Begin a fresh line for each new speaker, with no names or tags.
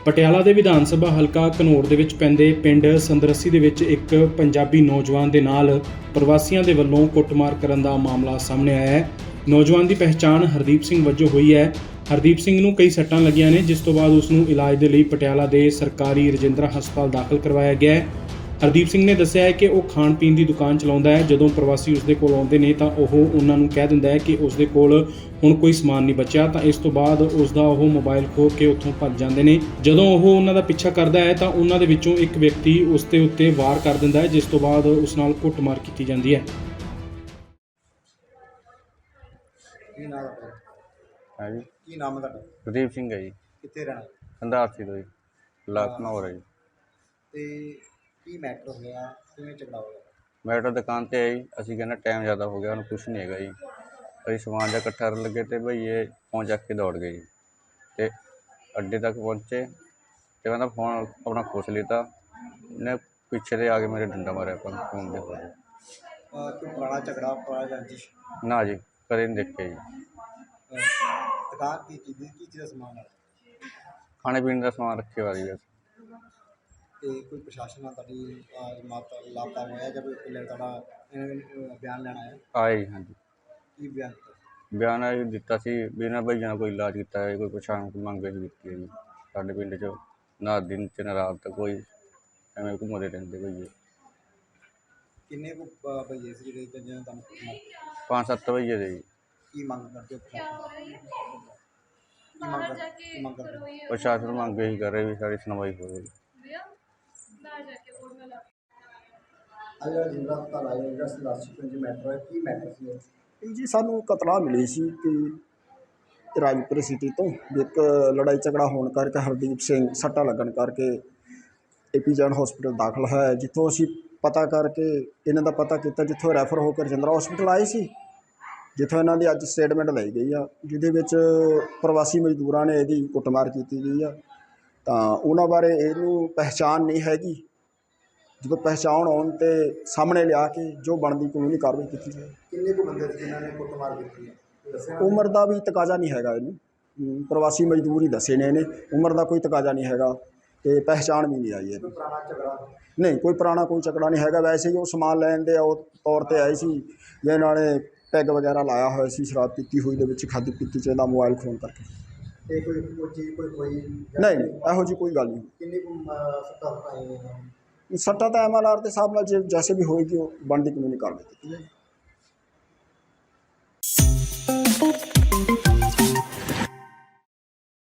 ਪਟਿਆਲਾ ਦੇ ਵਿਧਾਨ ਸਭਾ ਹਲਕਾ ਘਨੌਰ ਦੇ ਵਿੱਚ ਪੈਂਦੇ ਪਿੰਡ ਸੰਦਰਸੀ ਦੇ ਵਿੱਚ ਇੱਕ ਪੰਜਾਬੀ ਨੌਜਵਾਨ ਦੇ ਨਾਲ ਪ੍ਰਵਾਸੀਆਂ ਦੇ ਵੱਲੋਂ ਕੁੱਟਮਾਰ ਕਰਨ ਦਾ ਮਾਮਲਾ ਸਾਹਮਣੇ ਆਇਆ ਹੈ। ਨੌਜਵਾਨ ਦੀ ਪਹਿਚਾਣ ਹਰਦੀਪ ਸਿੰਘ ਵਜੋਂ ਹੋਈ ਹੈ। ਹਰਦੀਪ ਸਿੰਘ ਨੂੰ ਕਈ ਸੱਟਾਂ ਲੱਗੀਆਂ ਨੇ, ਜਿਸ ਤੋਂ ਬਾਅਦ ਉਸ ਨੂੰ ਇਲਾਜ ਦੇ ਲਈ ਪਟਿਆਲਾ ਦੇ ਸਰਕਾਰੀ ਰਜਿੰਦਰਾ ਹਸਪਤਾਲ ਦਾਖਲ ਕਰਵਾਇਆ ਗਿਆ ਹੈ। ਹਰਦੀਪ ਸਿੰਘ ਨੇ ਦੱਸਿਆ ਹੈ ਕਿ ਉਹ ਖਾਣ ਪੀਣ ਦੀ ਦੁਕਾਨ ਚਲਾਉਂਦਾ ਹੈ। ਜਦੋਂ ਪ੍ਰਵਾਸੀ ਉਸ ਦੇ ਕੋਲ ਆਉਂਦੇ ਨੇ ਤਾਂ ਉਹ ਉਹਨਾਂ ਨੂੰ ਕਹਿ ਦਿੰਦਾ ਹੈ ਕਿ ਉਸ ਦੇ ਕੋਲ ਹੁਣ ਕੋਈ ਸਮਾਨ ਨਹੀਂ ਬਚਿਆ, ਤਾਂ ਇਸ ਤੋਂ ਬਾਅਦ ਉਸ ਦਾ ਉਹ ਮੋਬਾਈਲ ਖੋਹ ਕੇ ਉੱਥੋਂ ਭੱਜ ਜਾਂਦੇ ਨੇ। ਜਦੋਂ ਉਹ ਉਹਨਾਂ ਦਾ ਪਿੱਛਾ ਕਰਦਾ ਹੈ ਤਾਂ ਉਹਨਾਂ ਦੇ ਵਿੱਚੋਂ ਇੱਕ ਵਿਅਕਤੀ ਉਸ ਦੇ ਉੱਤੇ ਵਾਰ ਕਰ ਦਿੰਦਾ ਹੈ, ਜਿਸ ਤੋਂ ਬਾਅਦ ਉਸ ਨਾਲ ਕੁੱਟਮਾਰ ਕੀਤੀ ਜਾਂਦੀ ਹੈ।
ਹੈ ਜੀ,
ਕੀ ਨਾਮ ਹੈ ਤੁਹਾਡਾ?
ਗੁਰਦੀਪ ਸਿੰਘ ਹੈ ਜੀ,
ਕਿੱਥੇ ਰਹਿਣਾ
ਸੰਧਾਰਥੀ ਤੋਂ ਜੀ, ਲਖਨਊ ਹੈ ਜੀ।
ਤੇ ਕੀ ਮੈਟਰ ਹੋਇਆ, ਕਿਵੇਂ ਝਗੜਾ ਹੋਇਆ?
ਮੈਟਰ ਦੁਕਾਨ ਤੇ ਹੈ ਜੀ। ਅਸੀਂ ਕਹਿੰਦੇ ਟਾਈਮ ਜ਼ਿਆਦਾ ਹੋ ਗਿਆ, ਉਹਨੂੰ ਕੁਛ ਨਹੀਂ ਹੈਗਾ ਜੀ। ਅਸੀਂ ਸਮਾਨ ਜਿਹਾ ਇਕੱਠਾ ਕਰਨ ਲੱਗੇ ਤੇ ਭਈ ਇਹ ਫੋਨ ਚੱਕ ਕੇ ਦੌੜ ਗਏ ਜੀ। ਤੇ ਅੱਡੇ ਤੱਕ ਪਹੁੰਚੇ ਤੇ ਕਹਿੰਦਾ ਫੋਨ ਆਪਣਾ ਖੋਸ ਲਿੱਤਾ। ਇਹਨੇ ਪਿੱਛੇ ਦੇ ਆ ਕੇ ਮੇਰੇ ਡੰਡਾ ਮਾਰਿਆ ਫੋਨ ਦੇ ਹੋਏ।
ਕੋਈ ਪੁਰਾਣਾ ਝਗੜਾ, ਪੁਰਾਣਾ ਰੰਜਿਸ਼?
ਨਾ ਜੀ, ਕਦੇ ਨਹੀਂ ਦੇਖਿਆ ਜੀ।
ਦੁਕਾਨ ਕੀ ਚੀਜ਼ ਦਾ ਸਮਾਨ ਹੈ?
ਖਾਣੇ ਪੀਣੇ ਦਾ ਸਮਾਨ ਰੱਖੇ ਵਾਲੀ ਬਸ।
ਤੇ ਕੋਈ ਪ੍ਰਸ਼ਾਸਨ ਨਾਲ ਤੁਹਾਡੀ ਲਾਪਤਾ ਹੋਇਆ ਜਾਂ ਕੋਈ ਤੁਹਾਡਾ ਬਿਆਨ ਲੈਣਾ ਹੈ?
ਆਏ ਜੀ, ਹਾਂਜੀ।
ਕੀ ਬਿਆਨ?
ਬਿਆਨ ਇਹ ਦਿੱਤਾ ਸੀ ਵੀ ਇਹਨਾਂ ਭਈਆਂ ਨਾਲ ਕੋਈ ਇਲਾਜ ਕੀਤਾ ਹੈ, ਕੋਈ ਪਛਾਣ ਮੰਗ ਕੇ ਦਿੱਤੀ ਹੈ ਜੀ। ਸਾਡੇ ਪਿੰਡ 'ਚ ਨਾ ਦਿਨ 'ਚ ਨਾ ਰਾਤ ਤੱਕ ਕੋਈ ਐਵੇਂ ਘੁੰਮਦੇ ਰਹਿੰਦੇ ਭਈਏ।
ਕਿੰਨੇ ਕੁ ਭਈਏ ਸੀ ਜਿਹੜੇ ਜਿਹਨਾਂ ਤੁਹਾਨੂੰ ਕੁੱਟਮਾਰ ਕੀਤੀ?
5-7 ਭਈਏ ਦੇ ਜੀ।
ਕੀ ਮੰਗ ਕਰਦੇ ਹੋ ਕੀ ਮੰਗ ਕਰਦੇ ਹੋ?
ਪ੍ਰਸ਼ਾਸਨ ਮੰਗ ਇਹੀ ਕਰ ਰਹੇ ਵੀ ਸਾਡੀ ਸੁਣਵਾਈ ਹੋਵੇ।
ਕੀ ਮੈਟਰ ਸੀ?
ਜੀ ਸਾਨੂੰ ਕਤਲਾ ਮਿਲੀ ਸੀ ਕਿ ਰਾਜਪੁਰ ਸਿਟੀ ਤੋਂ ਇੱਕ ਲੜਾਈ ਝਗੜਾ ਹੋਣ ਕਰਕੇ ਹਰਦੀਪ ਸਿੰਘ ਸੱਟਾਂ ਲੱਗਣ ਕਰਕੇ ਏਪੀਜੈਨ ਹਸਪੀਟਲ ਦਾਖਲ ਹੈ, ਜਿੱਥੋਂ ਅਸੀਂ ਪਤਾ ਕਰਕੇ ਇਹਨਾਂ ਦਾ ਪਤਾ ਕੀਤਾ, ਜਿੱਥੋਂ ਰੈਫਰ ਹੋ ਕੇ ਰਜਿੰਦਰਾ ਹਸਪੀਟਲ ਆਏ ਸੀ, ਜਿੱਥੋਂ ਇਹਨਾਂ ਦੀ ਅੱਜ ਸਟੇਟਮੈਂਟ ਲਈ ਗਈ ਆ, ਜਿਹਦੇ ਵਿੱਚ ਪ੍ਰਵਾਸੀ ਮਜ਼ਦੂਰਾਂ ਨੇ ਇਹਦੀ ਕੁੱਟਮਾਰ ਕੀਤੀ ਗਈ ਆ। ਤਾਂ ਉਹਨਾਂ ਬਾਰੇ ਇਹਨੂੰ ਪਹਿਚਾਣ ਨਹੀਂ ਹੈਗੀ। ਜਦੋਂ ਪਹਿਚਾਣ ਆਉਣ 'ਤੇ ਸਾਹਮਣੇ ਲਿਆ ਕੇ ਜੋ ਬਣਦੀ ਕਾਨੂੰਨੀ ਕਾਰਵਾਈ ਕੀਤੀ ਜਾਏ।
ਕਿੰਨੇ ਕੁ ਬੰਦੇ ਸੀ ਜਿਨ੍ਹਾਂ ਨੇ ਕੁੱਟਮਾਰ ਕੀਤੀ ਹੈ?
ਉਮਰ ਦਾ ਵੀ ਤਕਾਜ਼ਾ ਨਹੀਂ ਹੈਗਾ ਇਹਨੂੰ, ਪ੍ਰਵਾਸੀ ਮਜ਼ਦੂਰ ਹੀ ਦੱਸੇ ਨੇ ਇਹਨੇ, ਉਮਰ ਦਾ ਕੋਈ ਤਕਾਜ਼ਾ ਨਹੀਂ ਹੈਗਾ ਅਤੇ ਪਹਿਚਾਣ ਵੀ ਨਹੀਂ ਆਈ ਹੈ।
ਕੋਈ ਪੁਰਾਣਾ ਝਗੜਾ?
ਨਹੀਂ, ਕੋਈ ਪੁਰਾਣਾ ਕੋਈ ਝਗੜਾ ਨਹੀਂ ਹੈਗਾ। ਵੈਸੇ ਹੀ ਉਹ ਸਮਾਨ ਲੈਣ ਦੇ ਉਹ ਤੌਰ 'ਤੇ ਆਏ ਸੀ, ਜਿਹਨਾਂ ਨੇ ਪੈਗ ਵਗੈਰਾ ਲਾਇਆ ਹੋਇਆ ਸੀ, ਸ਼ਰਾਬ ਪੀਤੀ ਹੋਈ ਦੇ ਵਿੱਚ ਖਾਧੀ ਪੀਤੀ 'ਚ ਇਹਦਾ ਮੋਬਾਈਲ ਖੋਣ ਕਰਕੇ।
ਤੇ ਕੋਈ ਚੀਜ਼ ਕੋਈ
ਨਹੀਂ, ਇਹੋ ਜਿਹੀ ਕੋਈ ਗੱਲ ਨਹੀਂ।
ਕਿੰਨੀ ਕੁ ਸੱਟਾਂ ਆਈਆਂ?
ਸੱਟਾਂ ਤਾਂ MLR ਦੇ ਹਿਸਾਬ ਨਾਲ ਜੈਸੇ ਵੀ ਹੋਏਗੀ ਉਹ ਬਣਦੀ ਕਾਨੂੰਨੀ ਕਾਰਵਾਈ ਕੀਤੀ ਜਾਏਗੀ।